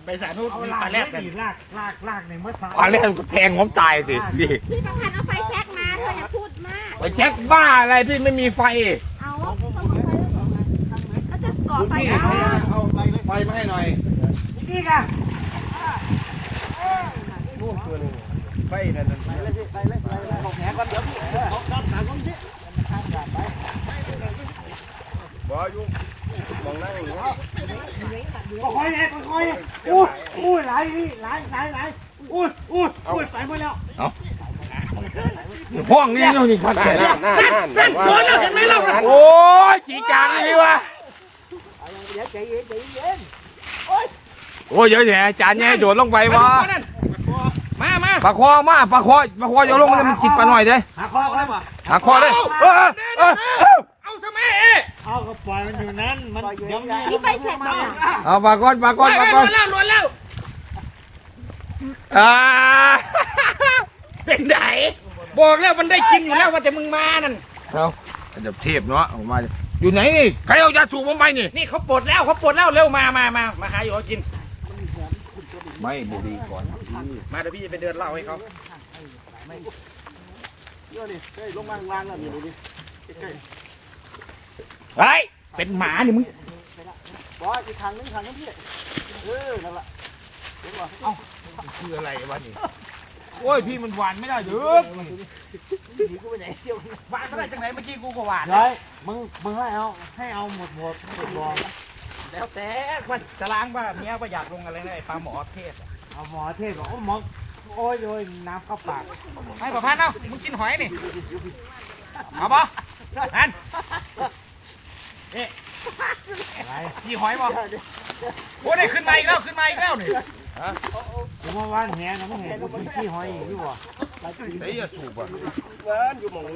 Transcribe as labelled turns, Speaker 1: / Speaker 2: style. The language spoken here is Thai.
Speaker 1: ไปสาธุมีปลาแรดกัน
Speaker 2: ลากในเมื่อเช้า
Speaker 3: ปลาแรดก็แทงผมตายสิพี่
Speaker 4: พี่ประพันธ์เอาไฟแช็กมาเธออย่าพูดมาก
Speaker 3: ไปเช็คบ้าอะไรพี่ไม่มีไฟ
Speaker 4: เอาเขาจะก่อไฟเอา
Speaker 1: เอาไฟมาให้หน่อย
Speaker 2: นี่กัน
Speaker 1: ไฟนั่นไปเลยพี่ไปเลยเอาแหก่อนเดี๋ยวพี่เอาด้านหลังก่อนพี่บ่ยุ่งมองนั่งอย่างนี้
Speaker 2: ค่อยๆค่อยๆอู้ไหลพี่ไหลอู้ใส่หมดแล้ว
Speaker 3: ห้องนี้นี่พัดแขน
Speaker 1: นั่นโดนแล้วเห็นไหมเรา
Speaker 3: โอ้ยจีจางเลยวะ
Speaker 2: เดี๋ยวใจเย็น
Speaker 3: โอ้ยเยอะแยะจานเนี่ยโดดลงไปวะ
Speaker 1: มา
Speaker 3: ปลาคอโยนลงมันจิตปลาหน่อยเด้
Speaker 2: หาคอได้ป่ะ
Speaker 3: หาคอเลย
Speaker 1: เอาทำไม
Speaker 2: เอาก็ปล่อยมันอยู่นั้นมันยัง
Speaker 4: พี่ไฟแช็กมา
Speaker 3: เอาปลาก้อน
Speaker 1: ล้วนแล้ว เป็นไงบอกแล้วมันได้กินอยู่แล้วว่าแต่มึงมานั่น
Speaker 3: เอาจะเทพเนาะออกมาอยู่ไหนนี่ใครเอายาสูบผมไปนี่
Speaker 1: นี่เขาปลดแล้วเร็วมาหาอยู่เขากิน
Speaker 3: ไม่บุรีก่อน
Speaker 1: มาเดี๋ยวพี่จะไปเดินเล่าให้เขา
Speaker 2: ลงมาล่างแล้วนี่ดิ
Speaker 1: เฮ้ยเป็นหมานี่มึง
Speaker 2: บอสอีกทางนึงพี่นั่นแหละ
Speaker 3: คืออะไรวะนี่โอ้ยพี่มันหวานไม่ได้เด้อ
Speaker 2: กูไปไหนเที่ยว
Speaker 1: หวานก็ได้จังไหนเมื่อกี้กูก็หวาน
Speaker 2: เลยมึงให้เอาหมดบอล
Speaker 1: แล้วแต่ว่าจะล้างว่าเมียว่าอยากลงอะไรนะไอ้ปลาหมอเทศ
Speaker 2: เอาหมอเทศบอกหมอโอ้ยโดยน้ำเข้าปาก
Speaker 1: ให้ประพันธ์เอามึงกินหอยนี่เอาปะนั่นนี่มีหอยปะโอ้ได้ขึ้นมาอีกแล้วนี่
Speaker 2: ผมว่าว่านแหนะมึงเห็นกูขี้หอยอยู่บ่
Speaker 3: ไอ้ยาสูบอ่ะ